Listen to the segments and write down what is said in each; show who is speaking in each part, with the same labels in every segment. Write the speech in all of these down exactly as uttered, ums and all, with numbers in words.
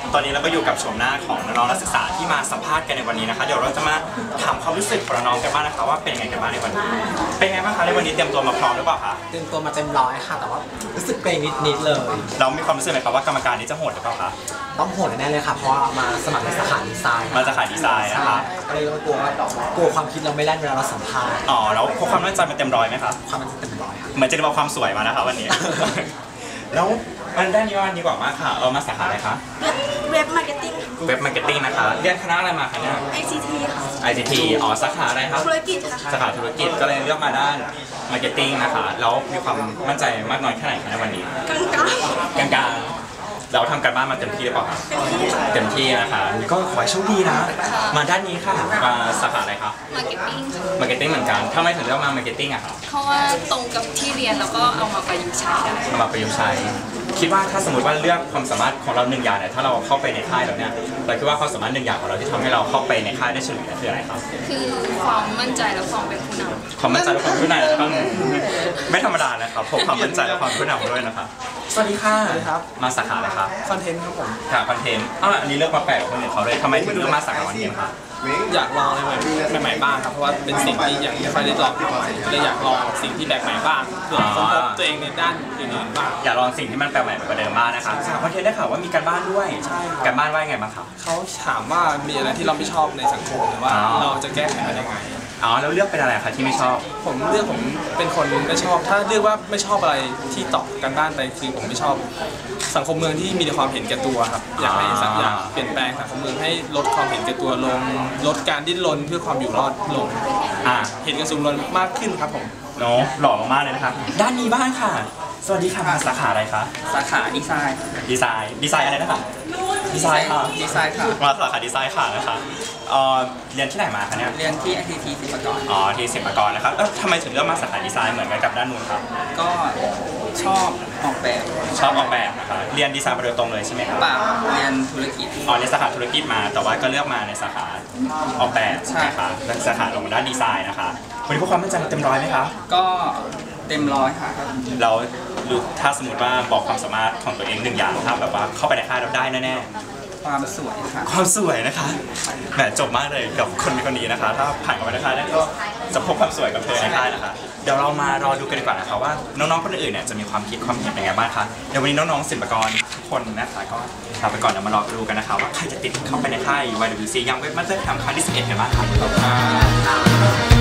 Speaker 1: ตอนนี้เราก็อยู่กับชมหน้าของน้องนักศึกษาที่มาสัมภาษณ์กันในวันนี้นะคะเดี๋ยวเราจะมาถามความรู้สึกของน้องกันบ้างนะคะว่าเป็นไงกันบ้างในวันนี้เป็นไงบ้างคะในวันนี้เตรียมตัวมาพร้อมหรือเปล่าคะ
Speaker 2: เตรียมตัวมาเต็มร้อยค่ะแต่ว่ารู้สึกเกรงนิดๆเลย
Speaker 1: เรามีความรู้สึกไหมครับว่ากรรมการนี้จะโหดหรือเปล่าคะ
Speaker 2: ต้องโหดแน่เลยค่ะเพราะว่ามาสมัครในสาขาดีไซน์
Speaker 1: มาสาขาดีไซน์นะคะ
Speaker 2: ก็เลยกลัวกลัวความคิดเราไม่แล่นเวลาเราสัมภาษณ์
Speaker 1: อ๋อแล้วพกความมั่นใจมาเต็มร้อยไหมครับ
Speaker 2: ความมั่นใจเต็มร้อยค่ะ
Speaker 1: เหมือนจะเอาความสวยมานะคะวันนี้แล้วมันด้านนี้วันดีกว่ามากค่ะเอามาสาขาอะไรคะ
Speaker 3: เว็บมาร์เก็ตติ้ง
Speaker 1: เว็บมาร์เก็ตติ้งนะคะเรียนคณะอะไรมาคะเนี่ย
Speaker 3: ไอ ซี ที ค่ะ
Speaker 1: ไอ ซี ที อ๋อสาขาอะไรครับ
Speaker 3: ธุรกิจค่ะ
Speaker 1: สาขาธุรกิจก็เลยเลือกมาด้านมาร์เก็ตติ้งนะคะแล้วมีความมั่นใจมากน้อยแค่ไหนคะในวันนี้
Speaker 3: กลาง
Speaker 1: กลางกลางเราทำการบ้านมาเต็มที่หรือเปล่าคะเต็มที่นะคะก็ขอให้โชคดีนะมาด้านนี้ค่ะมาสาขาอะไรคะ
Speaker 4: มาร์เก็ตติ้งค่ะ
Speaker 1: มาร์เก็ตติ้งเหมือนกันทำไมถึงเลือกมามาร์เก็ตติ้งอะครับ
Speaker 4: เพราะว่าตรงกับที่เรียนแล้วก็เอามาประยุกต์ใช้ได้
Speaker 1: เอามาประยุกต์ใช้คิดว่าถ้าสมมติว่าเลือกความสามารถของเราหนึ่งอย่างเนี่ยถ้าเราเข้าไปในค่ายแล้วเนี่ยเราคิดว่าความสามารถหนึ่งอย่างของเราที่ทำให้เราเข้าไปในค่ายได้เฉลี่ยคืออะไรครับ
Speaker 4: คือความมั่นใจและความเป็นผู้นำ
Speaker 1: ความมั่นใจและความผู้นำนะครับไม่ธรรมดานะครับพบความมั่นใจและความผู้นำด้วยนะครับสวัสดีค่ะ
Speaker 2: สวัสดีครับ
Speaker 1: มาสาขาอะไรครับ
Speaker 2: คอนเทนต์ครับผม
Speaker 1: ค่ะคอนเทนต์อ่ะอันนี้เลือกมาแปลกคนอื่นเขาเลยทำไมถึงเลือกมาสาขาคอนเทนต์ครับ
Speaker 5: อยากลองอะไรใหม่ๆบ้างครับเพราะว่าเป็นสิ่งที่ยังไม่ค่อยได้ลองก็เลยอยากลองสิ่งที่แปลกใหม่บ้างเพื่อค้นพบตัวเองในด้านอื่นๆบ้าง
Speaker 1: อยากลองสิ่งที่มันแปลกใหม่กว่าเดิมบ้างนะครับสาขาคอนเทนต์ได้ข่าวว่ามีการบ้านด้วย
Speaker 5: ใช่
Speaker 1: การบ้านว่าไงบ้างครับ
Speaker 5: เขาถามว่ามีอะไรที่เราไม่ชอบในสังคมหรือว่าเราจะแก้ไขมันยังไง
Speaker 1: อ๋อแล้วเลือกเป็นอะไรคะที่ไม่ชอบ
Speaker 5: ผมเลือกผมเป็นคนไม่ชอบถ้าเลือกว่าไม่ชอบอะไรที่ตอบกันบ้านไปคือผมไม่ชอบสังคมเมืองที่มีแต่ความเห็นแก่ตัวครับอยากให้สักอย่างเปลี่ยนแปลงสังคมเมืองให้ลดความเห็นแก่ตัวลงลดการดิ้นรนเพื่อความอยู่รอดลง
Speaker 1: อ่า
Speaker 5: เห็นกระสุนรนมากขึ้นครับผม
Speaker 1: เนาะหล่อมากเลยนะครับด้านนี้บ้างค่ะสวัสดีค่ะมาสาขาอะไรคะ
Speaker 5: สาขาดีไซน์
Speaker 1: ดีไซน์ดีไซน์อะไรนะคะดีไซน์ค่ะ
Speaker 5: ดีไซน์ค่ะ
Speaker 1: มาสาขาดีไซน์ค่ะนะคะเอ่อเรียนที่ไหนมาคะเนี่ย
Speaker 5: เรียนที่ ไอ ที ที ศิลปากร
Speaker 1: อ๋อที่ศิลปากรนะครับแล้วทำไมถึงเลือกมาสาขาดีไซน์เหมือนกันกับด้านนู้นครับ
Speaker 5: ก็ชอบออกแบบ
Speaker 1: ชอบออกแบบนะคะเรียนดีไซน์มาโดยตรงเลยใช่ไหมครับ
Speaker 5: เปล่าเรียนธุรกิจ
Speaker 1: อ๋อในสาขาธุรกิจมาแต่ว่าก็เลือกมาในสาขาออกแบบ
Speaker 5: ใช่
Speaker 1: ค่ะสาขาลงด้านดีไซน์นะคะวันนี้พวกความมั่นใจเต็มร้อยไหมครับ
Speaker 5: ก็เต็มร้อยค่ะ
Speaker 1: เราถ้าสมมติว่าบอกความสามารถของตัวเองหนึ่งอย่างครับแบบว่าเข้าไปในค่ายเราได้แน่
Speaker 5: ๆความสวยค่ะ
Speaker 1: ความสวยนะคะแหมจบมากเลยกับคนคนนี้นะคะถ้าผ่านเข้าไปในค่ายได้ก็จะพบความสวยกับเธอในค่ายนะคะเดี๋ยวเรามารอดูกันดีกว่านะคะว่าน้องๆคนอื่นเนี่ยจะมีความคิดความเห็นยังไงบ้างคะเดี๋ยววันนี้น้องๆศิลปากรทุกคนนะคะก็ลาไปก่อนเดี๋ยวมารอดูกันนะคะว่าใครจะติดเข้าไปในค่าย วาย ดับเบิลยู ซี ยังเว็บมาสเตอร์แคมป์ครั้งที่สิบเอ็ดกันบ้างครับ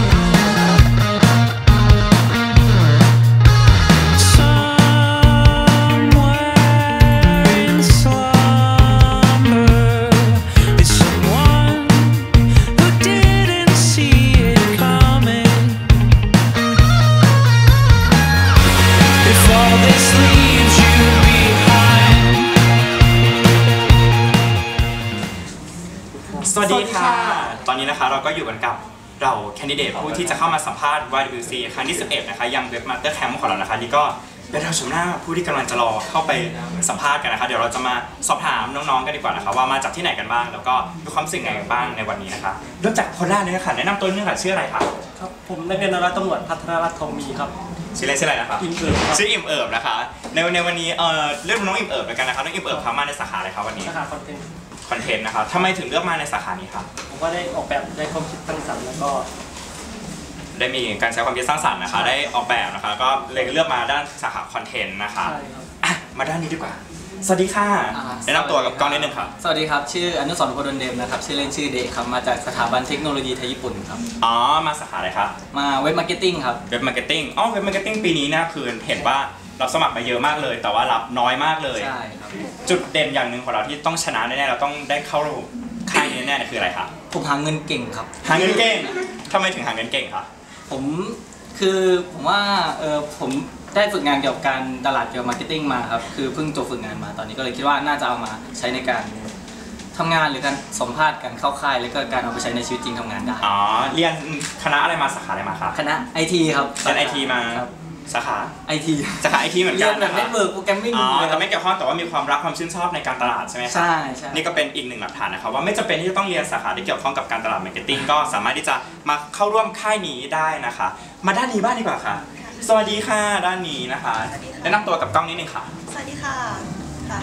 Speaker 1: สวัสดีค่ะตอนนี้นะคะเราก็อยู่กันกับเราแคนดิเดตผู้ที่จะเข้ามาสัมภาษณ์ วาย ดับเบิลยู ซี ครั้งที่สิบเอ็ดนะคะยังเว็บมาสเตอร์แคมป์ของเรานะคะนี่ก็เป็นเราชมหน้าผู้ที่กำลังจะรอเข้าไปสัมภาษณ์กันนะคะเดี๋ยวเราจะมาสอบถามน้องๆกันดีกว่านะคะว่ามาจากที่ไหนกันบ้างแล้วก็มีความสิ่งไหนกันบ้างในวันนี้นะคะเริ่มจากคนแรกเลยนะคะแนะนำตัวนิดนึงค่ะชื่ออะไรคะ
Speaker 6: ครับผมนักเรียนนราตำรวจพัฒนรัตน์ทองมีครับ
Speaker 1: ชื่ออะไรชื่ออะไรนะคะ
Speaker 6: อิ่มเอิบ
Speaker 1: ชื่ออิ่มเอิบนะคะในในวันนี้เอ่อเรื่องน้องอิ่มเอิบแล้วกันนะคะน้องอิ่มเอิบเข้ามาในสาขาอะไรครับวันนี้
Speaker 6: สาขาคอนเทนต์
Speaker 1: คอนเทนต์นะครับทำไมถึงเลือกมาในสาขานี้ครับ
Speaker 6: ผมก็ได้ออกแบบได้ความคิดสร้างสรรค์แล้วก็
Speaker 1: ได้มีการใช้ความคิดสร้างสรรค์นะคะได้ออกแบบนะคะก็เลยเลือกมาด้านสาขาคอนเทนต์นะคะมาด้านนี้ดีกว่าสวัสดีค่ะแนะนำตัวกับกล้องนิดนึงครับ
Speaker 7: สวัสดีครับชื่ออนุสรณ์ โพดลเดมนะครับชื่อเล่นชื่อเดครับมาจากสถาบันเทคโนโลยีไทยญี่ปุ่นครับ
Speaker 1: อ๋อมาสาขาอะไรครับ
Speaker 7: มาเว็บมาร์เก็ตติ้งครับ
Speaker 1: เว็บมาร์เก็ตติ้งอ๋อเว็บมาร์เก็ตติ้งปีนี้นะคือเห็นว่าเราสมัครมาเยอะมากเลยแต่ว่ารับน้อยมากเลย
Speaker 7: ใช่ครับ
Speaker 1: จุดเด่นอย่างหนึ่งของเราที่ต้องชนะแน่ๆเราต้องได้เข้าค่ายนี้แน่ๆคืออะไรครับ
Speaker 7: ผมหาเงินเก่งครับ
Speaker 1: หาเงินเก่งทำไมถึงหาเงินเก่งครับ
Speaker 7: ผมคือผมว่าเออผมได้ฝึกงานเกี่ยวกับการตลาดเกี่ยวกับมาร์เก็ตติ้งมาครับคือเพิ่งจบฝึกงานมาตอนนี้ก็เลยคิดว่าน่าจะเอามาใช้ในการทำงานหรือการสัมภาษณ์การเข้าค่ายแล้วก็การเอาไปใช้ในชีวิตจริงทำงานได้
Speaker 1: อ๋อเรียนคณะอะไรมาสาขาอะไรมาครับ
Speaker 7: คณะ ไอ ที ครับ
Speaker 1: เรียน ไอ ที มาสาขา
Speaker 7: ไอ ที
Speaker 1: สาขา ไอ ที เหมือนกัน
Speaker 7: เรียนแบบเน็ตเวิร์กโปรแกรมมิ่ง
Speaker 1: อ๋อแต่ไม่เกี่ยวข้องแต่ว่ามีความรักความชื่นชอบในการตลาดใช่ไหมครับ
Speaker 7: ใช่ใช่
Speaker 1: นี่ก็เป็นอีกหนึ่งหลักฐานนะครับว่าไม่จำเป็นที่จะต้องเรียนสาขาที่เกี่ยวข้องกับการตลาดมาร์เก็ตติ้งก็สามารถที่จะมาเข้าร่วมค่ายนี้ได้นะคะมาด้านนี้บ้างดีกว่าค่ะสวัสดีค่ะด้านนี้นะคะแนะนำตัวกับกล้องนิดนึงค่ะ
Speaker 3: สวัสดีค่ะค่ะ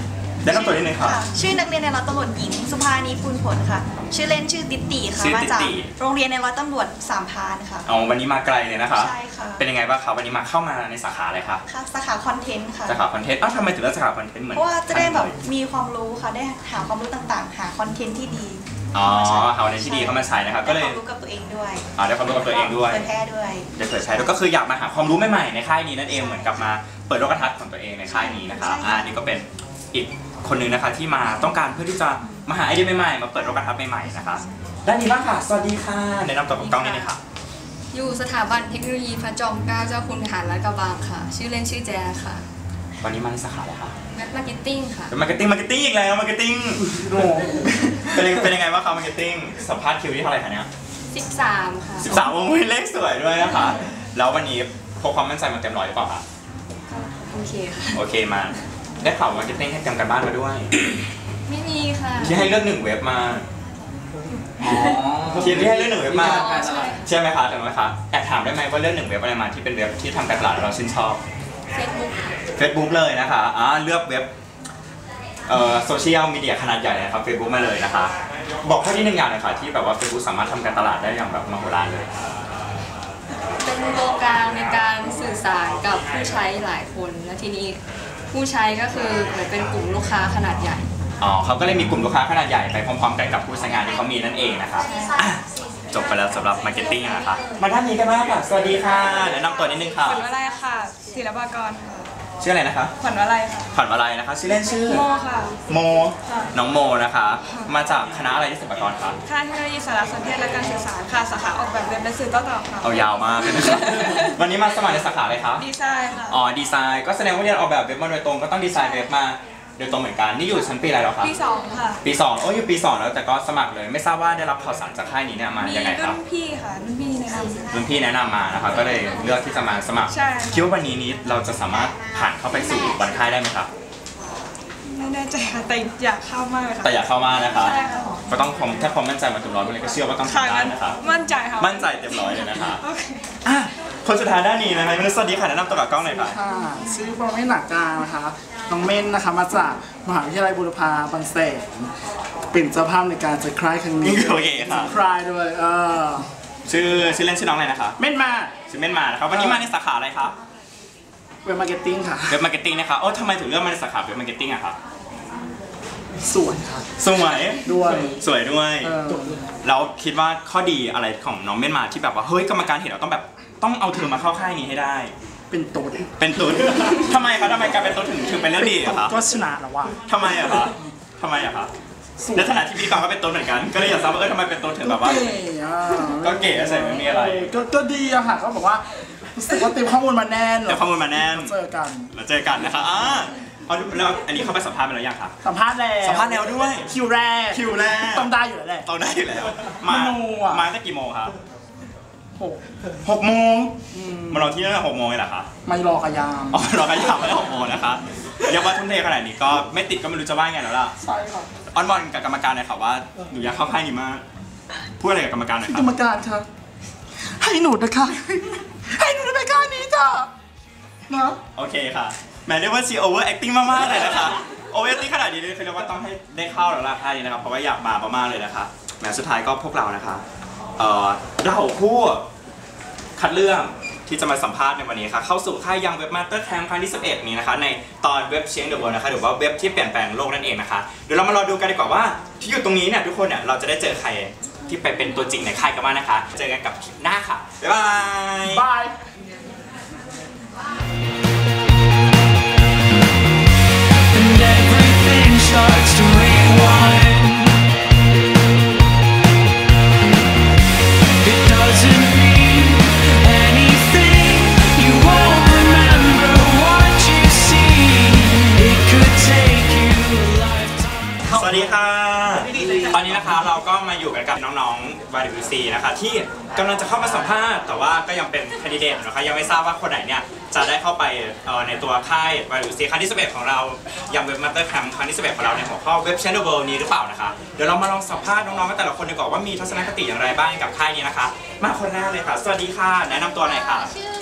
Speaker 1: แนะนำตัวนิดนึงค่ะ
Speaker 3: ชื่อนักเรียนในร้อยตำรวจหญิงสุภานีพูนผลค่ะ ชื่อเล่นชื่อติ๊ตีค่ะ
Speaker 1: ชื่อ
Speaker 3: มา
Speaker 1: ติ๊
Speaker 3: จาก
Speaker 1: ติ
Speaker 3: โรงเรียนในร้อยตำรวจสามพรานค่ะ
Speaker 1: เอาวันนี้มาไกลเลยนะคะ
Speaker 3: ใช่ค่ะ
Speaker 1: เป็นยังไงบ้างคะวันนี้มาเข้ามาในสาขาอะไรคะ
Speaker 3: ค่ะสาขาคอนเทนต์ค่ะ
Speaker 1: สาขาคอนเทนต์อ้าวทำไมถึงเลือกสาขาคอนเทนต์เหมือน
Speaker 3: เพราะว่าจะได้แบบ
Speaker 1: ท่านเลย
Speaker 3: มีความรู้ค่ะ ได้หาความรู้ต่างๆ หาคอนเทนต์ที่ดี
Speaker 1: อ๋อหาคอนเทนต์ที่ดีเข้ามาใช้นะครับก็
Speaker 3: ได้
Speaker 1: เล
Speaker 3: ควาย มรู้กับตัวเองด้วย
Speaker 1: อ่าได้ความรู้กับตัวเองด้วย
Speaker 3: เผยแพร่ด้วย
Speaker 1: ได้เผยใช้แล้วก็คืออยากมาหาความรู้ใหม่ๆในค่ายนี้นั่นเองเหมือนกับมาเปิดโลกทัศน์ของตัวเองในค่ายนี้นะคะ
Speaker 3: ใช่ค่ะ
Speaker 1: อ่านี่ก็เป็นอีกคนหนึงนะคะที่มาต้องการเพื่อที่จะมาหาไอเดียใหม่ๆมาเปิดโลกทัศน์ใหม่ๆนะคะด้านนี้บ้างค่ะสวัสดีค่ะแนะนำตัวกับกล้องนิดนึงค่ะ
Speaker 4: อยู่สถาบันเทคโนโลยีพระจอมเกล้าเจ้าคุณทหารลาดกระบังค่ะ ชื่อเล่นชื่อแจค่ะ
Speaker 1: วันนี้มาในสาขาอะไรคะ
Speaker 4: แมทมาร์เก็ตติ้งค่ะ
Speaker 1: เป็นมาร์เก็ตติ้งมาร์เก็ตติ้งอีกแล้วมาร์เก็ตติ้งเป็นยังเป็นยังไงบ้างคะมาร์เก็ตติ้งสัมภาษณ์คิวที่เท่าไหร่คะเนี่ย
Speaker 4: สิบสามค่ะ
Speaker 1: สิบสามวงเลขสวยด้วยนะคะแล้ววันนี้พกความมั่นใจมาเต็มร้อยหรือเปล่าคะ
Speaker 4: โอเคค่ะ
Speaker 1: โอเคมาได้ข่าวมาร์เก็ตติ้งให้เตรียมกันบ้านมาด้วย
Speaker 4: ไม่มีค่ะ
Speaker 1: ที่ให้เลือกหนึ่งเว็บมา
Speaker 7: อ๋อ
Speaker 1: ทีมที่ให้เลือกหนึ่งเว็บมา
Speaker 4: อ๋อใช่
Speaker 1: ใช่ไหมคะถูกไหมคะแอบถามได้ไหมว่าเลือกหนึ่งเว็บอะไรมาที่เป็นเว็บที่ทำการตลาดแล้วเราชื่นชอบ
Speaker 4: เฟซบุ๊ก
Speaker 1: Facebook เลยนะคะอ่าเลือกเว็บเอ่อโซเชียลมีเดียขนาดใหญ่นะครับ Facebook มาเลยนะคะ บอกข้อที่หนึ่งอย่างหน่อยค่ะที่แบบว่า Facebook สามารถทำการตลาดได้อย่างแบบมโหฬารเลย
Speaker 4: เป็นตัวกลางในการสื่อสารกับผู้ใช้หลายคน และทีนี้ผู้ใช้ก็คือเหมือนเป็นกลุ่มลูกค้าขนาดใหญ่
Speaker 1: อ๋อเขาก็เลยมีกลุ่มลูกค้าขนาดใหญ่ไปพร้อมๆกันกับผู้ใช้งานที่เขามีนั่นเองนะคะอ่ะจบไปแล้วสำหรับมาร์เก็ตติ้งนะคะมาด้านนี้กันบ้างค่ะสวัสดีค่ะแนะนำตัวนิดนึงค่ะ
Speaker 8: ขวัญวลัยค่ะศิลปากรค่ะ
Speaker 1: ชื่ออะไรนะคะ
Speaker 8: ขวัญวลัยค่ะ
Speaker 1: ขวัญวลัยนะคะชื่อเล่นชื่อ
Speaker 8: โมค่ะ
Speaker 1: โม
Speaker 8: ค่ะ
Speaker 1: น้องโมนะคะ มาจากคณะอะไรที่ศิลปากรคะ
Speaker 8: ค่ายเทคโนโลยีสารสนเทศและการสื่อสารค่ะ สาขาออกแบบเว็บและสื่อโต้ตอบค่ะ
Speaker 1: เอายาวมากเลยนะคะ วันนี้มาสมัครในสาขาอะไรคะ
Speaker 8: ดีไซน์ค่ะ
Speaker 1: อ๋อดีไซน์ก็แสดงว่าเรียนออกแบบเว็บมาโดยตรงก็ต้องดีไซน์เว็บมาโดยตรงเหมือนกันนี่อยู่ชั้นปีอะไรแล้วคะ
Speaker 8: ปีสองค่ะ
Speaker 1: ปีสองโอ้ยอยู่ปีสองแล้วแต่ก็สมัครเลยไม่ทราบว่าได้รับข่าวสารจากค่ายนี้เนี่ยมา
Speaker 8: มี
Speaker 1: ยังไงครั
Speaker 8: รุ่
Speaker 1: บ
Speaker 8: นพี่ค่ะ รุ่นพี่แนะนำ
Speaker 1: รุ่นพี่แนะนำมานะคะก็เลยเลือกที่จะมาสมัคร
Speaker 8: ใช่
Speaker 1: คิดว่าวันนี้นี้เราจะสามารถผ่านเข้าไปสู่วันค่ายได้ไหมครับ
Speaker 8: ไม่แน่ใจค่ะ แต่อยากเข้ามากเลยค่ะ
Speaker 1: แต่อยากเข้ามานะคะ
Speaker 8: ใช่ค่ะ
Speaker 1: ก็ต้องความถ้าความมั่นใจมาเต็มร้อยเลยก็เชื่อว่าต้อง
Speaker 8: ค่ะ
Speaker 1: ทำได้
Speaker 8: งั้น
Speaker 1: นะคะ
Speaker 8: มั่นใจค่ะ
Speaker 1: มั่นใจเต็มร้อยเลยนะคะ
Speaker 8: โอเค
Speaker 1: อ่ะคนสุดท้ายด้านนี้นะคะมนุษย์สวัสดีค่ะแนะนำตัวกับกล้องหน่อยค่ะ
Speaker 9: ค่ะชื่อปรเมศหนักกลางนะคะน้องเม่นนะคะมาจากมหาวิทยาลัยบูรพาบางแสนเป็นเจ้าภาพในการจัดคลายครั้งนี้
Speaker 1: โอเคค่ะ
Speaker 9: คลายด้วยเออ
Speaker 1: ชื่อชื่อเล่นชื่อน้องอะไรนะคะ
Speaker 9: เม่นมา
Speaker 1: ชื่อเม่นมานะครับวันนี้มาในสาขาอะไรครับ
Speaker 9: เว็บมาร์เก็ตติ้งค่ะ
Speaker 1: เว็บมาร์เก็ตติ้งนะคะโอ้ทำไมถึงเลือกมาในสาขาเว็บมาร์เก็ตติ้งอะครับ
Speaker 9: สวยค่ะ
Speaker 1: สวย
Speaker 9: ด้วย
Speaker 1: สวยด้วย
Speaker 9: เออ
Speaker 1: แล้วคิดว่าข้อดีอะไรของน้องเม่นมาที่แบบว่าเฮ้ยกรรมการเห็นเราต้องแบบต้องเอาเธอมาเข้าค่ายนี้ให้ได้
Speaker 9: เป็นตุ๊ด
Speaker 1: เป็นตุ๊ด ทำไมคะทำไมการเป็นตุ๊ดถึงถึงเป็นเรื่องดีอะคะ
Speaker 9: ก็ชนะแล้วว่ะ
Speaker 1: ทำไมอะคะทำไมอะคะในฐานะที่พี่ฟังก็เป็นตุ๊ดเหมือนกัน ก็เลยอยากทราบว่าเออทำไมเป็นตุ๊ดถึงแบบว่า
Speaker 9: เก๋อะ
Speaker 1: ก็เก๋ใส่ไม่มีอะไร
Speaker 9: ก็ก็ดีอะค่ะก็บอกว่ารู้สึกว่าเตรียมข้อมูลมาแน่น
Speaker 1: เดี๋ยวข้อมูลมาแน่น
Speaker 9: เจอกัน
Speaker 1: แล้วเจอกันนะคะอ่าเอาแล้วอันนี้เข้าไปสัมภาษณ์ไปแล้วยังคะ
Speaker 9: สัมภาษณ์แล้ว
Speaker 1: สัมภาษณ์แล้วด้วย
Speaker 9: คิวแรก
Speaker 1: คิวแรก
Speaker 9: ต้องได้อยู่แล้วแหละ
Speaker 1: ต้องได้อยู่แล้ว มา
Speaker 9: โนอะ
Speaker 1: มาตั้งกี่โมงครับ
Speaker 9: โห
Speaker 1: หกโมง
Speaker 9: อืม
Speaker 1: มารอที่นั่นหกโมงเลยเหรอคะ
Speaker 9: ไม่รอกระยาม
Speaker 1: อ๋อรอกระยาไม่ได้หกโมงนะคะเรียกว่าทุ่มเทขนาดนี้ก็ไม่ติดก็ไม่รู้จะว่าไงแล้วล่ะ
Speaker 9: ใช่ค่ะ
Speaker 1: อ้อนบอลกับกรรมการหน่อยค่ะว่าหนูอยากเข้าค่ายนี้มากพูดอะไรกับกรรมการหน่อยค
Speaker 9: ก
Speaker 1: รั
Speaker 9: ร
Speaker 1: บ
Speaker 9: รมการครับให้หนูนะคะ ให้หนูในการนี้จ้ะนะ
Speaker 1: โอเคค่ะแหมเรียกว่าชีโอเวอร์แอคติ้งมากๆเลยนะคะโอเวอร์แอคติ้งขนาดนี้เลยคือเรียกว่าต้องให้ได้เข้าแล้วล่ะค่ายนี้นะครับเพราะว่าอยากมามากๆเลยนะคะแหมสุดท้ายก็พวกเรานะคะเอ่อเราผู้คัดเลือกที่จะมาสัมภาษณ์ในวันนี้ค่ะเข้าสู่ค่ายยังเว็บมาสเตอร์แคมป์ครั้งที่สิบเอ็ดนี้นะคะในตอนเว็บเชียงเดอะเวิลด์นะคะหรือว่าเว็บที่เปลี่ยนแปลงโลกนั่นเองนะคะเดี๋ยวเรามารอดูกันดีกว่าว่าที่อยู่ตรงนี้เนี่ยทุกคนเนี่ยเราจะได้เจอใครที่ไปเป็นตัวจริงในค่ายกันบ้างนะคะเจอกันกับคลิปหน้าค่ะบ๊ายบาย
Speaker 9: บาย
Speaker 10: And everything starts to rewind. It doesn't mean anything. You won't remember what you see. It could take you a lifetime.
Speaker 1: สวัสดีค่ะ ตอนนี้นะคะเราก็มาอยู่กันกับน้องๆ วาย ดับเบิลยู ซี นะคะที่กำลังจะเข้ามาสัมภาษณ์แต่ว่าก็ยังเป็นแคนดิเดตนะคะยังไม่ทราบว่าคนไหนเนี่ยจะได้เข้าไปเอ่อในตัวค่าย วาย ดับเบิลยู ซี ครั้งที่สิบเอ็ดของเรายังเว็บมาสเตอร์แคมป์ครั้งที่สิบเอ็ดของเราในหัวข้อเว็บ Channel World นี้หรือเปล่านะคะเดี๋ยวเรามาลองสัมภาษณ์น้องๆกันแต่ละคนดีกว่าว่ามีทัศนคติอย่างไรบ้างกับค่ายนี้นะคะมาคนแรกเลยค่ะสวัสดีค่ะแนะนำตัวหน่อยค่ะ
Speaker 11: ชื่อ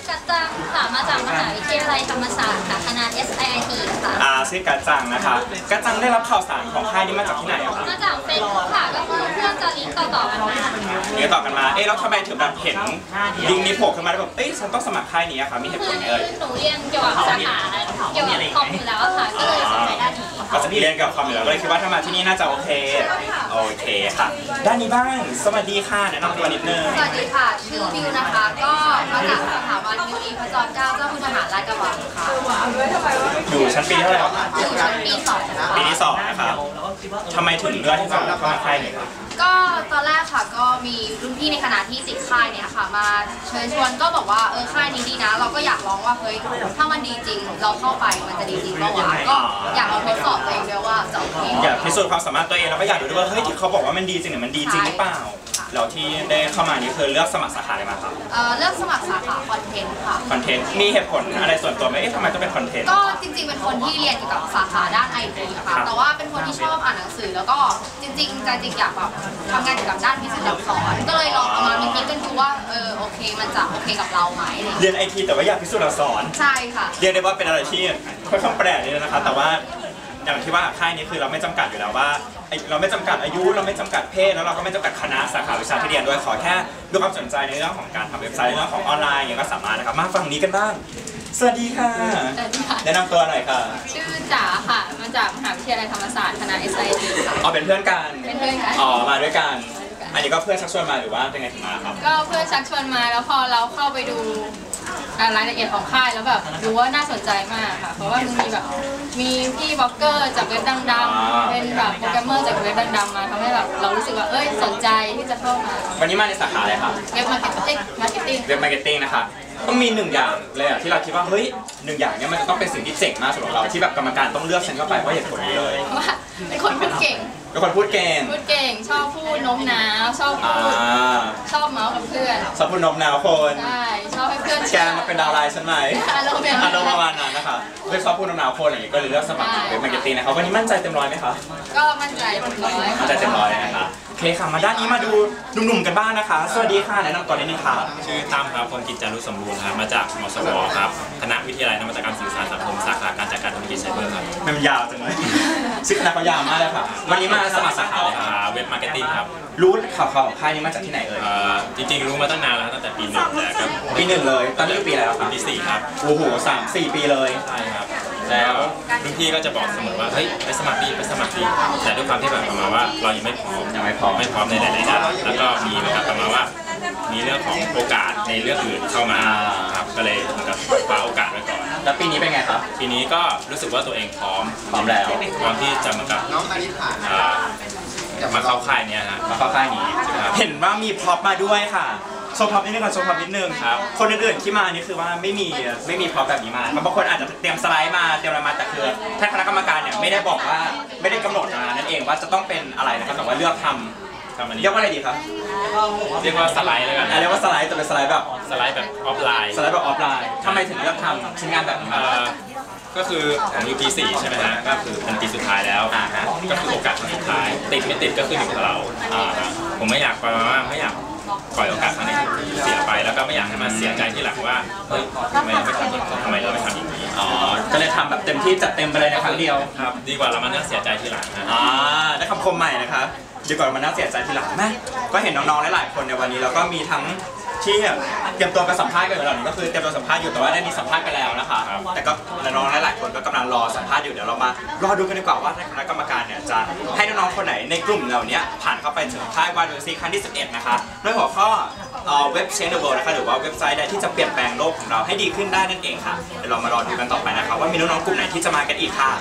Speaker 11: กัจจังค่ะมาจากมหาวิทยาลัยธรรมศาสตร์ค่ะคณะ เอส ไอ ไอ ที ค่ะ
Speaker 1: อ่าชื่อกัจจังนะคะกัจจังได้รับข่าวสารของค่ายนี้มาจากที่ไหนอะคะ
Speaker 11: มาจากเฟซบุ๊กค่ะก็คือเพื่อนจะลิงก์ต่อๆกันมา
Speaker 1: เดี๋ยวต่อกันมาเอ๊ะแล้วทำไมถึงแบบเห็นลิงก์นี้โผล่ขึ้นมาแล้วแบบเอ้ยฉันต้องสมัครค่ายนี้อะค่ะมีเหตุผ
Speaker 11: คื
Speaker 1: ล
Speaker 11: อ
Speaker 1: ไหมเอ่ย
Speaker 11: หนูเรียนเกี่ยวกับสาขาเกี่ยวกับคอมอยู่แล้วอะค่ะก็เลยสนใจด้านนี้
Speaker 1: ก็จะเรียนกับคอมอยู่แล้วก็เลยคิดว่าถ้ามาที่นี่น่าจะโอเคโอเคค่ะด้านนี้บ้างสวัสดีค่ะแนะนำตัวนิดนึง
Speaker 12: สวัสดีค่ะ ชื่อบิวนะคะ ก็มาจากสถาบันมิตรีพระจอมเกล้าเจ้าคุณทหารราชกระบังค่ะ
Speaker 1: อยู่ชั้นปีเท่าไหร่คะ
Speaker 12: อยู่ชั้นปีสองค่ะ
Speaker 1: ปีที่สองนะคะทำไมถึงเลือกที่จะเข้ามาค่ายนี้คะ
Speaker 12: ก็ตอนแรกค่ะก็มีรุ่นพี่ในคณะที่ติดค่ายเนี่ยค่ะมาเชิญชวนก็บอกว่าเออค่ายนี้ดีนะ เราก็อยากลองว่าเฮ้ยถ้ามันดีจริง เราเข้าไปมันจะดีจริงเปล่าวะก็อยากลองทดสอบตัวเองด้วยว่าจะโอเค
Speaker 1: อยากพิสูจน์ความสามารถตัวเองแล้วก็อยากดูด้วยว่าเฮ้ยที่เขาบอกว่ามันดีจริงเนี่ยมันดีจริงหรือเปล่าแล้วที่ได้เข้ามานี่คือเลือกสมัครสาขาอะไรมาครับ
Speaker 12: เอ่อเลือกสมัครสาขาคอนเทนต์ค่ะ
Speaker 1: คอนเทนต์มีเหตุผลอะไรส่วนตัวไหมเอ๊ะทำไมต้องเป็นคอนเทนต์
Speaker 12: ก็จริงๆ เป็นคนที่เรียนเกี่ยวกับสาขาด้านไอทีค่ะ แต่ว่าเป็นคนที่ชอบอ่านหนังสือ แล้วก็จริงๆใจจริงอยากแบบทำงานเกี่ยวกับด้านวิศวกรรมสอนก็เลยลองเอามามิกกันดูว่าเออโอเคมันจะโอเคกับเราไหม
Speaker 1: เรียนไอทีแต่ว่าอยากพิสูจน์อักษร
Speaker 12: ใช่ค่ะ
Speaker 1: เรียกได้ว่าเป็นอะไรที่ค่อนข้างแปลกนิดนึงนะคะแต่ว่าอย่างที่ว่าค่ายนี้คือเราไม่จำกัดอยู่แล้วว่าไอ้เราไม่จำกัดอายุเราไม่จำกัดเพศแล้วเราก็ไม่จำกัดคณะสาขาวิชาที่เรียนด้วยขอแค่ดูความสนใจในเรื่องของการทำเว็บไซต์ในเรื่องของออนไลน์อย่างเงี้ยก็สามารถนะครับมาฝั่งนี้กันบ้างสวัสดีค่ะแนะนำตัวหน่อยค่ะ
Speaker 4: ชื่อจ๋าค่ะ มาจากมหาวิทยาลัยธรรมศาสตร์คณะ เอส ไอ ที ค่ะ
Speaker 1: อ๋อเป็นเพื่อนกัน
Speaker 4: เป็นเพื่อนกัน
Speaker 1: อ๋อมาด้วยกันอันนี้ก็เพื่อนชักชวนมาหรือว่าเป็นไงถึงมาครับ
Speaker 4: ก็เพื่อนชักชวนมาแล้วพอเราเข้าไปดูรายละเอียดของค่ายแล้วแบบรู้ว่าน่าสนใจมากค่ะ เพราะว่ามันมีแบบมีพี่บล็อกเกอร์จากเว็บดังๆเป็นแบบโปรแกรมเมอร์จากเว็บดังๆมาทำให้แบบเรารู้สึกว่าเอ้ยสนใจที่จะเข้ามา
Speaker 1: วันนี้มาในสาขาอะไรครับ
Speaker 4: เว็บมาร์เก็ตติ้งมาร์เก็ตติ้ง
Speaker 1: เว็บมาร์เก็ตติ้งนะคะต้องมีหนึ่งอย่างเลยอะที่เราคิดว่าเฮ้ยหนึ่งอย่างเนี้ยมันจะต้องเป็นสิ่งที่เจ๋งมากสำหรับเราที่แบบกรรมการต้องเลือกฉันเข้าไปเพราะเหตุผลนี้เลย
Speaker 4: ว่าเป็นคนพูดเก่ง
Speaker 1: เป็นคนพูดเก่ง
Speaker 4: พูดเก่งชอบพูดโน้มน้าวชอบ
Speaker 1: อ่า
Speaker 4: พูดชอบเมาส์กับเพื่อน
Speaker 1: ชอบพูดนมนาวคน
Speaker 4: ใช่ชอบให้เพื่อน
Speaker 1: แกมาเป็นดาวไลน์ฉันไหม
Speaker 4: อารมณ์แบบ
Speaker 1: อารมณ์ประมาณนั้นนะคะเพื่อนชอบพูดนมนาวคนอย่างนี้ก็เลยเลือกสมัครเว็บมาร์เก็ตติ้งนะครับวันนี้มั่นใจเต็มร้อยไหมคะ
Speaker 4: ก็มั่นใจเต็มร้อย
Speaker 1: มั่นใจเต็มร้อยนะคะโอเคค่ะมาด้านนี้มาดูหนุ่มๆกันบ้างนะคะสวัสดีค่ะแนะนำตัวนิดนึงค่ะ
Speaker 13: ชื่อตั้มครับพงกิจจารุสมบูรณ์ครับมาจากมสวครับคณะวิทยาลัยนวัตกรรมสื่อสารสังคมสาขาการจัดการธุรกิจไซเบอร์ครับ
Speaker 1: มันยาวจังเลยชื่อคณะเขายาวมากเลยค่ะวันนี้มาสมัครสาขาอะไรครับ
Speaker 13: อ่าเว็บมาร์เก็ตติ้งครับ
Speaker 1: รู้ข่าวๆของค่ายนี้มาจากที่ไหนเอ่ย
Speaker 13: เอ่อจริงๆรู้มาตั้งนานแล้วตั้งแต่ปีหนึ่งแต่ก็
Speaker 1: ปีหนึ่งเลยตอนนี้ปีอะไรแล้วครับ
Speaker 13: ปีสี่ครับ
Speaker 1: โอ้โหสามสี่ปีเลย
Speaker 13: ใช่ครับแล้วรุ่นพี่ก็จะบอกเสมอว่าเฮ้ยไปสมัครดีไปสมัครดีแต่ด้วยความที่แบบประมาณว่าเรายังไม่พร้อม
Speaker 1: ยังไม่พร้อม
Speaker 13: ไม่พร้อมในหลายๆด้านแล้วก็มีนะครับประมาณว่ามีเรื่องของโอกาสในเรื่องอื่นเข้ามาครับก็เลยเหมือนกับคว้าโอกาสไว้ก่อน
Speaker 1: แล้วปีนี้เป็นไงครับ
Speaker 13: ปีนี้ก็รู้สึกว่าตัวเองพร้อม
Speaker 1: พร้อมแล้ว
Speaker 13: พร้อมที่จะเหมือนกับอ่ามาเข้าค่ายเนี้ยฮะ
Speaker 1: มาเข้าค่ายนี้
Speaker 13: ครับ
Speaker 1: เห็นว่ามีพร็อพมาด้วยค่ะโชว์พร็อพนิดนึงก่อนโชว์พร็อพนิดนึง
Speaker 13: ครับ
Speaker 1: คนอื่นๆที่มานี่คือว่าไม่มีไม่มีพร็อพแบบนี้มาบางคนอาจจะเตรียมสไลด์มาเตรียมอะไรมาแต่คือท่านคณะกรรมการเนี่ยไม่ได้บอกว่าไม่ได้กำหนดมานั่นเองว่าจะต้องเป็นอะไรนะครับแต่ว่าเลือกทำ
Speaker 13: ทำอันนี้
Speaker 1: เรียกว่าอะไรดีครับ
Speaker 13: เรียกว่าสไลด์แล้วกัน
Speaker 1: อ่ะเรียกว่าสไลด์แต่เป็นสไลด์แบบ
Speaker 13: สไลด์แบบออฟไลน์
Speaker 1: สไลด์แบบออฟไลน์ทำไมถึงเลือกทำชิ้นงานแบบนี้
Speaker 13: เอ่อก็คือผมอยู่ปีสี่ใช่ไหมฮะก็คือเป็นปีสุดท้ายแล้ว
Speaker 1: อ่าฮะ
Speaker 13: ก็คือโอกาสครั้งสุดท้าย ติดไม่ติดก็ขึ้นอยู่กับเราอ่าฮะผมไม่อยากประมาณว่าไม่อยากปล่อยโอกาสครั้งนี้เสียไปแล้วก็ไม่อยากให้มันเสียใจที่หลังว่าเฮ้ยทำไมเราไม่ทำอย่างนี้ทำไมเราไม่ทำอย่างนี้
Speaker 1: อ๋อก็เลยทำแบบเต็มที่จัดเต็มไปเลยในครั้งเดียว
Speaker 13: ครับดีกว่าเรามานั่งเสียใจทีหลังนะ
Speaker 1: อ่าได้คำคมใหม่นะครับดีกว่ามาน่าเสียใจทีหลังแม่ก็เห็นน้องๆหลายๆคนในวันนี้แล้วก็มีทั้งที่เตรียมตัวไปสัมภาษณ์กันอยู่แล้วนี่ก็คือเตรียมตัวสัมภาษณ์อยู่แต่ว่าได้มีสัมภาษณ์ไปแล้วนะคะแต่ก็น้องๆหลายๆคนก็กำลังรอสัมภาษณ์อยู่เดี๋ยวเรามารอดูกันดีกว่าว่าคณะกรรมการเนี่ยจะให้น้องๆคนไหนในกลุ่มเหล่านี้ผ่านเข้าไปถึงค่ายวายดูซีครั้งที่สิบเอ็ดนะคะด้วยหัวข้อเว็บเชนเดอร์เวิลด์นะคะหรือว่าเว็บไซต์ใดที่จะเปลี่ยนแปลงโลกของเราให้ดีขึ้นได้นั่นเองค่ะเดี๋ยวเรามารอดูกันต่อไปนะคะว่ามีน้องๆกลุ่มไหนที่จะมากันอีกค่ะ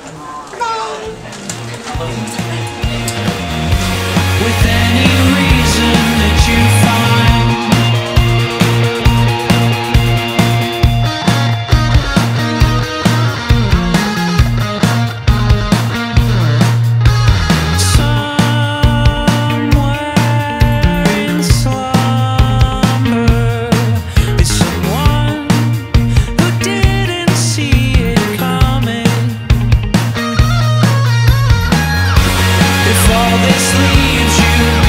Speaker 10: With any reason that you find, somewhere in slumber is someone who didn't see it coming. If all this leaves you